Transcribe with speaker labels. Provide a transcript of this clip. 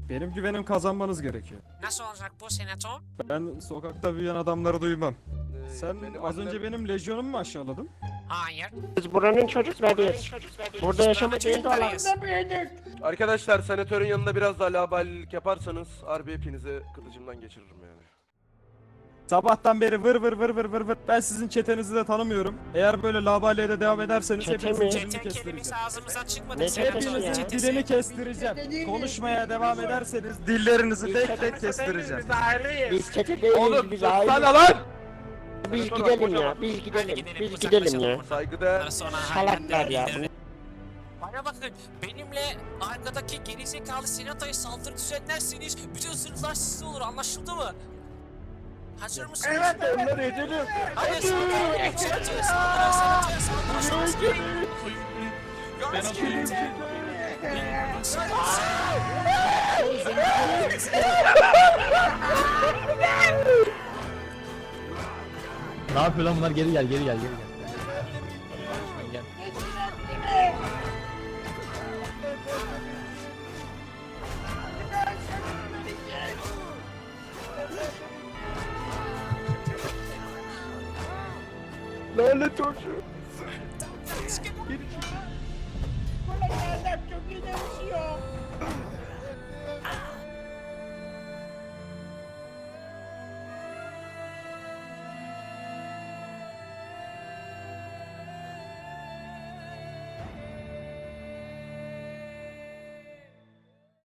Speaker 1: Benim güvenim kazanmanız gerekiyor.
Speaker 2: Nasıl olacak bu senato?
Speaker 1: Ben sokakta büyüyen adamları duymam. Sen
Speaker 3: benim
Speaker 1: az
Speaker 3: annem-
Speaker 1: önce benim lejyonumu mu aşağıladın?
Speaker 2: Hayır.
Speaker 4: Biz buranın çocuklarıyız. Burada yaşamak en doğal.
Speaker 3: Arkadaşlar senatörün yanında biraz daha laballik yaparsanız harbi hepinizi kılıcımdan geçiririm yani.
Speaker 1: Sabahtan beri vır vır vır vır vır vır. Ben sizin çetenizi de tanımıyorum. Eğer böyle labaliye de devam ederseniz
Speaker 4: Çete
Speaker 1: hepinizin
Speaker 4: mi?
Speaker 1: dilini
Speaker 2: Çete kelimesi
Speaker 1: kestireceğim.
Speaker 2: ağzımızdan çıkmadı.
Speaker 4: Ne
Speaker 2: Senato
Speaker 4: çetesi ya?
Speaker 1: Hepinizin
Speaker 2: çetesi.
Speaker 1: dilini kestireceğim. Konuşmaya devam ederseniz dillerinizi tek tek kestireceğim.
Speaker 4: Biz çete değiliz,
Speaker 3: Oğlum
Speaker 4: biz
Speaker 3: sana
Speaker 4: aile.
Speaker 3: lan!
Speaker 4: Biz
Speaker 3: Senatör
Speaker 4: gidelim
Speaker 3: kocaman.
Speaker 4: ya, biz gidelim.
Speaker 2: gidelim,
Speaker 4: Biz
Speaker 2: uzaklaşalım
Speaker 4: gidelim ya.
Speaker 2: buradan.
Speaker 3: Saygıdeğer.
Speaker 2: Sonra
Speaker 4: Salaklar ya.
Speaker 2: Bana bakın, benimle arkadaki gerizekalı senatoya saldırı düzenlerseniz bütün sınıflar sizde olur, anlaşıldı mı? Hazır mısınız?
Speaker 4: Evet, onları edelim.
Speaker 2: Hadi senatoya saldırın, senatoya saldırın.
Speaker 5: Ne yapıyor lan bunlar? Geri gel, geri gel, geri gel. Gel.
Speaker 3: Lanet olsun.